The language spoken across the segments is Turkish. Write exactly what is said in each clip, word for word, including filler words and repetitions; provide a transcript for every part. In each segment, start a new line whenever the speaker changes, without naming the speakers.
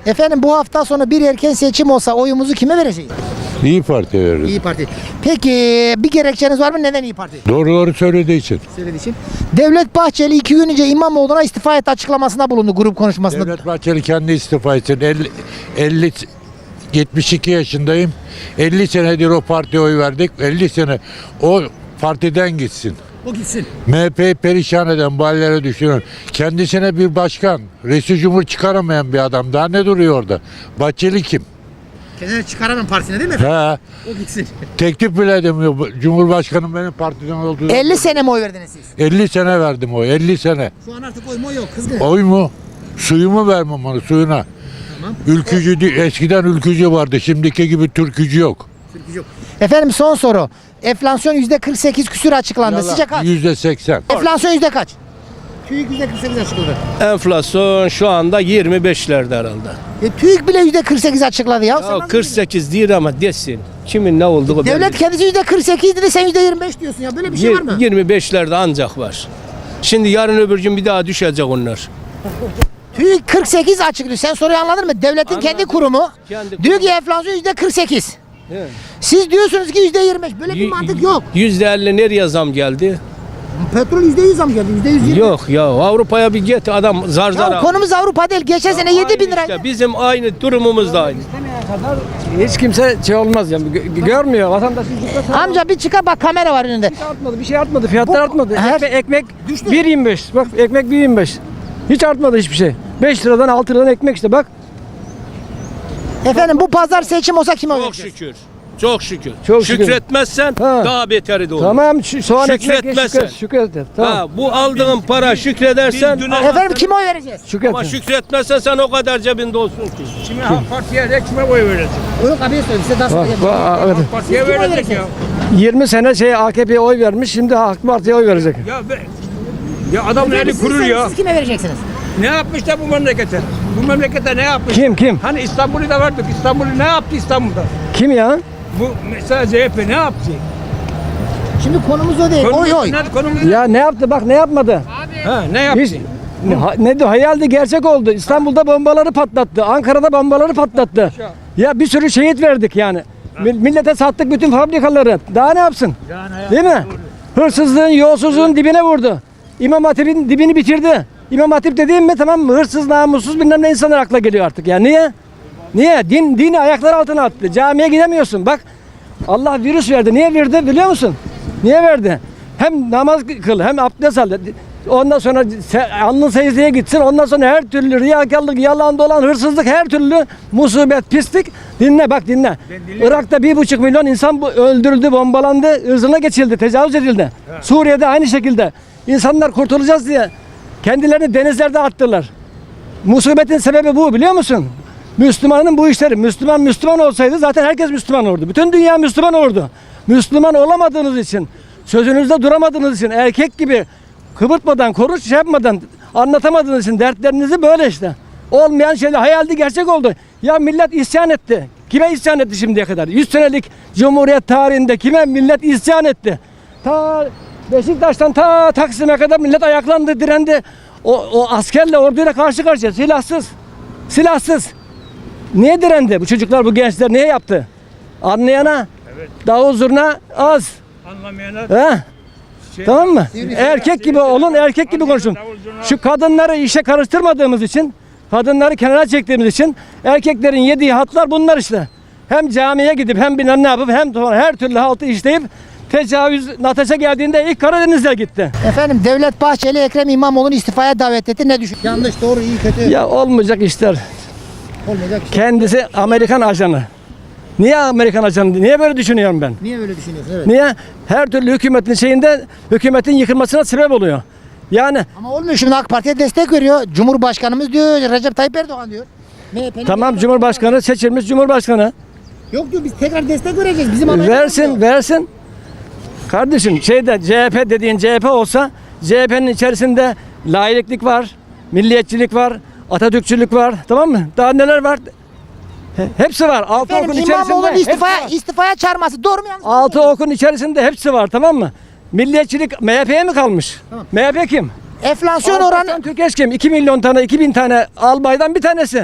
Efendim bu hafta sonu bir erken seçim olsa oyumuzu kime vereceğiz?
İyi Parti veririz.
İyi Parti. Peki bir gerekçeniz var mı? Neden İyi Parti?
Doğruları söylediği için.
Söylediği için. Devlet Bahçeli iki gün önce İmamoğlu'na istifa et açıklamasında bulundu grup konuşmasında.
Devlet Bahçeli kendi istifa etsin. elli, elli yetmiş iki yaşındayım. elli senedir o partiye oy verdik. elli sene o partiden gitsin.
O gitsin.
M H P'yi perişan eden bu hallere düşünün. Kendisine bir başkan, reisi cumhur çıkaramayan bir adam. Daha ne duruyor orada? Bahçeli kim?
Kendini çıkaramam partisine değil mi?
He.
O gitsin.
Teklif bile edemiyor. Bu Cumhurbaşkanım benim partiden olduğu.
elli sene mi oy verdiniz siz?
elli sene verdim o. elli sene.
Şu an artık oy mu yok kızgın.
Oy mu? Suyumu vermem onu, suyuna.
Tamam.
Ülkücü, di- eskiden ülkücü vardı. Şimdiki gibi türkücü yok.
Yok. Efendim son soru. Enflasyon yüzde kırk sekiz küsür açıklandı. Sizce kaç?
yüzde seksen.
Enflasyon yüzde kaç? TÜİK yüzde kırk sekiz açıkladı.
Enflasyon şu anda yirmi beşlerde herhalde.
E, TÜİK bile yüzde kırk sekiz açıkladı ya. Sen
Ya
nasıl
kırk sekiz değil ama desin. Kimin ne olduğu belli.
Devlet kendisi yüzde kırk sekiz dedi, sen yüzde yirmi beş diyorsun ya. Böyle bir şey var mı?
yirmi beşlerde ancak var. Şimdi yarın öbür gün bir daha düşecek onlar.
TÜİK kırk sekiz açıklıyor. Sen soruyu anladın mı? Devletin
Anladım.
kendi kurumu
Kendi
diyor ki
kurumu.
enflasyon yüzde kırk sekiz.
Evet.
Siz diyorsunuz ki yüzde yirmi beş. Böyle bir
Y-
mantık yok.
yüzde elli nereye zam geldi?
Petrol yüzde yüz zam geldi. yüzde yüz yirmi.
Yok ya Avrupa'ya bir git adam zar zar.
Ya
al.
konumuz Avrupa değil. Geçen sene
Aynı
yedi bin lira.
işte, bizim aynı durumumuz da aynı.
Hiç kimse şey olmaz yani gö- görmüyor vatandaş hiç
Amca bir çıkar bak, kamera var önünde.
artmadı, bir şey artmadı, fiyatlar
Bu-
artmadı.
Her-
Ekmek, ekmek
Düştü.
bir yirmi beş. Bak ekmek bir yirmi beş. Hiç artmadı hiçbir şey. beş liradan altı liradan ekmek işte bak.
Efendim bu pazar seçim olsa kime oy
Çok
vereceğiz?
şükür. Çok şükür.
Çok şükür.
Şükretmezsen
Ha.
daha beteri de olur.
Tamam şu soğan ekmek ye,
Şükretmezsen.
şükret, şükret et. Tamam.
Ha, bu aldığın para şükredersen
Efendim kime oy vereceğiz?
Şükret.
ama şükretmezsen sen o kadar cebinde olsun ki.
Şimdi Halk Parti'ye de kime oy verecek?
Yok abiye söyle. Size daha
Bak,
söyleyeyim.
bak, evet.
Parti'ye
Kime oy
verecek
vereceğiz?
ya.
yirmi sene şey A K P'ye oy vermiş, şimdi AK Parti'ye oy verecek.
Ya be, ya adam
Efendim,
eli
siz-
kurur
siz-
ya.
Siz kime vereceksiniz?
Ne yapmış da bu memlekete? Bu memlekete ne yapmış?
Kim kim?
Hani İstanbul'u da vardık. İstanbul'u ne yaptı İstanbul'da?
Kim ya?
Bu mesela C H P ne yaptı?
Şimdi konumuz o değil. Oy oy.
Ne, konumuz ne?
Ya ne yaptı bak ne yapmadı.
Ha, ne yaptı?
Hiç, ne, ha- ne diyor hayaldi gerçek oldu. İstanbul'da bombaları patlattı. Ankara'da bombaları patlattı. Ya bir sürü şehit verdik yani. Mi- Millete sattık bütün fabrikaları. Daha ne yapsın? Değil mi? Hırsızlığın, yolsuzluğun dibine vurdu. İmam Hatip'in dibini bitirdi. İmam Hatip dediğim mi tamam mı? Hırsız, namussuz bilmem ne insanlar akla geliyor artık. Ya niye? Niye? Din, dini ayaklar altına attı. Camiye gidemiyorsun. Bak Allah virüs verdi. Niye verdi biliyor musun? Niye verdi? Hem namaz kıl hem abdest al. Ondan sonra se- alnın secdeye gitsin. Ondan sonra her türlü riyakarlık, yalan dolan, hırsızlık, her türlü musibet, pislik. Dinle bak dinle. Irak'ta bir buçuk milyon insan bu- öldürüldü, bombalandı, ırzına geçildi, tecavüz edildi. Suriye'de aynı şekilde. İnsanlar kurtulacağız diye kendilerini denizlerde attılar. Musibetin sebebi bu biliyor musun? Müslümanın bu işleri. Müslüman Müslüman olsaydı zaten herkes Müslüman olurdu. Bütün dünya Müslüman olurdu. Müslüman olamadığınız için, sözünüzde duramadığınız için, erkek gibi kıvırtmadan, konuş şey yapmadan anlatamadığınız için dertlerinizi böyle işte. Olmayan şeyler hayaldi gerçek oldu. Ya millet isyan etti. Kime isyan etti şimdiye kadar? yüz senelik Cumhuriyet tarihinde kime millet isyan etti? Ta Beşiktaş'tan ta Taksim'e kadar millet ayaklandı, direndi. O, o askerle, orduyla karşı karşıya, silahsız. Silahsız. Niye direndi bu çocuklar, bu gençler niye yaptı? Anlayana, davul zurna az.
Anlamayanlar.
He?
Şey-
Tamam mı? Erkek gibi olun, erkek gibi konuşun. Şu kadınları işe karıştırmadığımız için, kadınları kenara çektiğimiz için erkeklerin yediği hatlar bunlar işte. Hem camiye gidip hem bilmem ne yapıp hem sonra her türlü haltı işleyip tecavüz Nataş'a geldiğinde ilk Karadeniz'e gitti.
Efendim Devlet Bahçeli Ekrem İmamoğlu'nu istifaya davet etti. Ne düşün? Yanlış, doğru, iyi, kötü.
Ya olmayacak işler.
Olmayacak.
Kendisi Amerikan ajanı. Niye Amerikan ajanı? Niye böyle düşünüyorum ben?
Niye böyle düşünüyorsun? Evet.
Niye? Her türlü hükümetin şeyinde hükümetin yıkılmasına sebep oluyor. Yani
Ama olmuyor, şimdi AK Parti'ye destek veriyor. Cumhurbaşkanımız diyor, Recep Tayyip Erdoğan diyor. M H P'nin
tamam Cumhurbaşkanı seçilmiş Cumhurbaşkanı.
Yok diyor, biz tekrar destek vereceğiz. Bizim Amerika'da
Versin,
diyor.
versin. Kardeşim şeyde C H P dediğin C H P olsa C H P'nin içerisinde laiklik var, milliyetçilik var, Atatürkçülük var. Tamam mı? Daha neler var? He- Hepsi var. Altı
Efendim
okun içerisinde.
İmamoğlu'nun
hepsi
istifaya,
var.
istifaya çağırması doğru mu yanlış mı?
Altı okun içerisinde hepsi var tamam mı? Milliyetçilik M H P'ye mi kalmış? M H P kim?
Enflasyon
Alparslan
oranı
Türkeş kim? iki milyon tane, iki bin tane albaydan bir tanesi.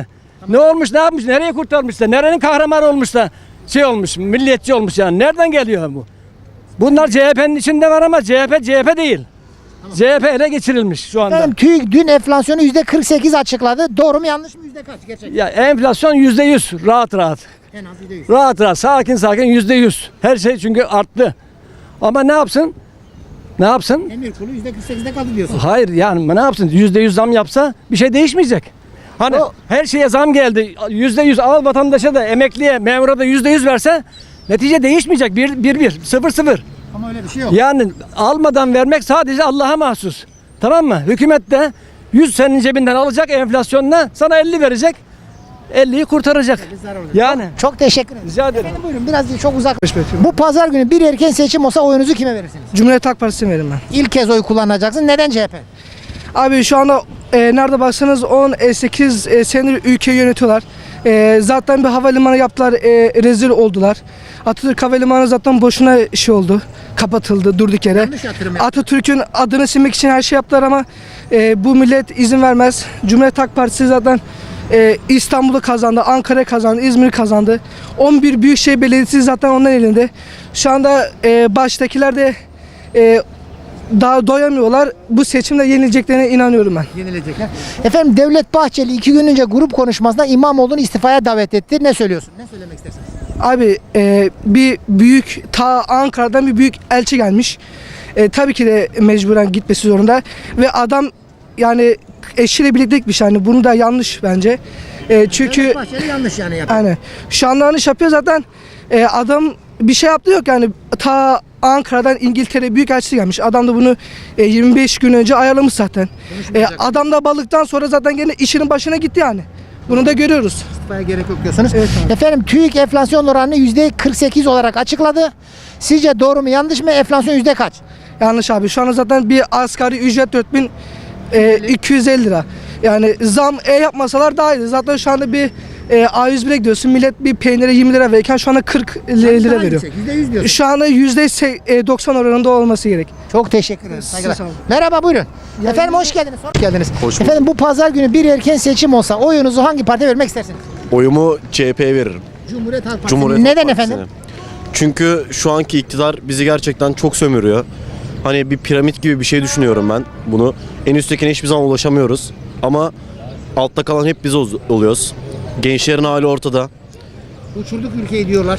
Ne olmuş, ne yapmış, nereye kurtarmış da, nerenin kahramanı olmuş da şey olmuş, milliyetçi olmuş yani. Nereden geliyor bu? Bunlar C H P'nin içinde var ama C H P C H P değil. C H P ele geçirilmiş şu anda.
Efendim TÜİK dün enflasyonu yüzde kırk sekiz açıkladı. Doğru mu yanlış mı? Yüzde kaç? Gerçek.
Ya enflasyon yüzde yüz, rahat rahat.
En az yüzde yüz.
Rahat rahat, sakin sakin yüzde yüz. Her şey çünkü arttı. Ama ne yapsın? Ne yapsın?
Emir kulu yüzde kırk sekizde kaldı diyorsun.
Hayır yani ne yapsın? Yüzde yüz zam yapsa bir şey değişmeyecek. Hani
O-
her şeye zam geldi. Yüzde yüz al vatandaşa da, emekliye, memura da yüzde yüz verse netice değişmeyecek. Bir, bir, bir, sıfır, sıfır.
Ama öyle bir şey yok.
Yani almadan vermek sadece Allah'a mahsus. Tamam mı? Hükümet de yüz senin cebinden alacak enflasyonla, sana elli verecek. elliyi kurtaracak. Yani
Çok teşekkür ederim.
rica ederim.
Efendim buyurun biraz çok uzak. Bu pazar günü bir erken seçim olsa oyunuzu kime verirsiniz?
Cumhuriyet Halk Partisi'ne veririm ben.
İlk kez oy kullanacaksın. Neden C H P?
Abi şu anda e, nerede baksanız on sekiz e, senedir ülkeyi yönetiyorlar. E, zaten bir havalimanı yaptılar, e, rezil oldular. Atatürk Havalimanı zaten boşuna şey oldu. Kapatıldı durduk yere.
Yanlış yatırım yaptı.
Atatürk'ün adını silmek için her şey yaptılar ama e, bu millet izin vermez. Cumhuriyet Halk Partisi zaten e, İstanbul'u kazandı, Ankara'yı kazandı, İzmir'i kazandı. on bir Büyükşehir Belediyesi zaten onların elinde. Şu anda e, baştakiler de e, daha doyamıyorlar. Bu seçimde yenileceklerine inanıyorum ben.
Yenilecekler. Efendim Devlet Bahçeli iki gün önce grup konuşmasında İmamoğlu'nu istifaya davet etti. Ne söylüyorsun? Ne söylemek istersiniz?
Abi e, bir büyük ta Ankara'dan bir büyük elçi gelmiş. E, tabii ki de mecburen gitmesi zorunda ve adam yani eşiyle birlikte gitmiş yani bunu da yanlış bence. E, çünkü
Devlet Bahçeli yanlış yani yapıyor.
yani şu anda yanlış yapıyor zaten. E, adam bir şey yaptı yok yani ta Ankara'dan İngiltere büyükelçisi gelmiş. Adam da bunu e, yirmi beş gün önce ayarlamış zaten. E, adam da balıktan sonra zaten gene işinin başına gitti yani. Bunu da görüyoruz.
İstifaya gerek yok diyorsunuz.
Evet abi.
Efendim TÜİK enflasyon oranını yüzde kırk sekiz olarak açıkladı. Sizce doğru mu yanlış mı? Enflasyon yüzde kaç?
Yanlış abi. Şu anda zaten bir asgari ücret dört bin iki yüz elli lira. Yani zam e yapmasalar daha iyi. Zaten şu anda bir e, A yüz bire gidiyorsun. Millet bir peynire yirmi lira verirken şu anda kırk lira veriyor.
yüzde yüz diyorsun.
Şu anda yüzde doksan oranında olması gerek.
Çok teşekkür ederim. Saygılar.
Sağ olun.
Merhaba buyurun. Efendim hoş geldiniz. Hoş geldiniz. Efendim bu pazar günü bir erken seçim olsa oyunuzu hangi partiye vermek istersiniz?
Oyumu C H P'ye veririm.
Cumhuriyet Halk Partisi.
Cumhuriyet
Neden
Halk Partisi'ne.
efendim?
Çünkü şu anki iktidar bizi gerçekten çok sömürüyor. Hani bir piramit gibi bir şey düşünüyorum ben bunu. En üsttekine hiçbir zaman ulaşamıyoruz. Ama altta kalan hep biz ol- oluyoruz. Gençlerin hali ortada.
Uçurduk ülkeyi diyorlar.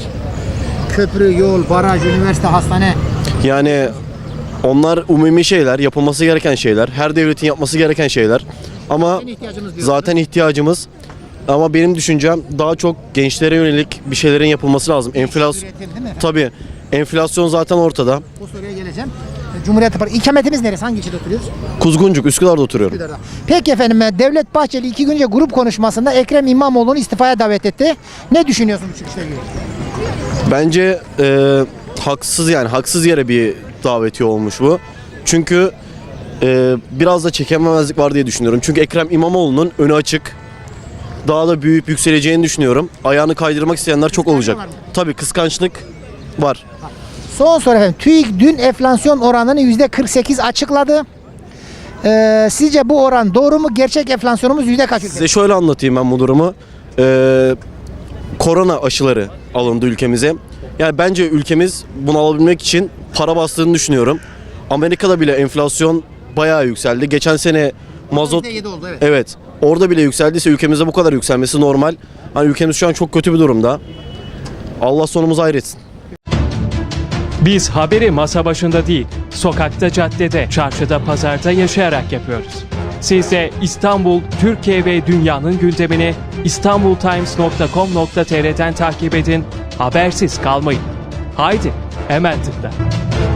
Köprü, yol, baraj, üniversite, hastane.
Yani onlar umumi şeyler, yapılması gereken şeyler. Her devletin yapması gereken şeyler. Ama
Zaten ihtiyacımız diyorsunuz.
zaten ihtiyacımız. Ama benim düşüncem daha çok gençlere yönelik bir şeylerin yapılması lazım. Enflasyon
Üretim değil mi?
tabii. Enflasyon zaten ortada.
O soruya geleceğim. Cumhuriyet Halk Partisi. İkametimiz neresi? Hangi ilçede oturuyoruz?
Kuzguncuk, Üsküdar'da oturuyorum.
Üsküdar'da. Peki efendim Devlet Bahçeli iki gün önce grup konuşmasında Ekrem İmamoğlu'nu istifaya davet etti. Ne düşünüyorsun bu çıkışla ilgili?
Bence e, haksız yani haksız yere bir davetiye olmuş bu. Çünkü e, biraz da çekememezlik var diye düşünüyorum. Çünkü Ekrem İmamoğlu'nun önü açık. Daha da büyüyüp yükseleceğini düşünüyorum. Ayağını kaydırmak isteyenler çok olacak.
var mı?
Tabii kıskançlık var.
Son soru efendim. TÜİK dün enflasyon oranını yüzde kırk sekiz açıkladı. Ee, sizce bu oran doğru mu? Gerçek enflasyonumuz yüzde kaç ülke?
Size şöyle anlatayım ben bu durumu. E, korona aşıları alındı ülkemize. Yani bence ülkemiz bunu alabilmek için para bastığını düşünüyorum. Amerika'da bile enflasyon bayağı yükseldi. Geçen sene mazot
yüzde yedi oldu evet.
evet orada bile yükseldiyse ülkemizde bu kadar yükselmesi normal. Hani ülkemiz şu an çok kötü bir durumda. Allah sonumuzu hayretsin.
Biz haberi masa başında değil, sokakta, caddede, çarşıda, pazarda yaşayarak yapıyoruz. Siz de İstanbul, Türkiye ve dünyanın gündemini istanbultimes nokta com nokta tr'den takip edin, habersiz kalmayın. Haydi, hemen tıkla.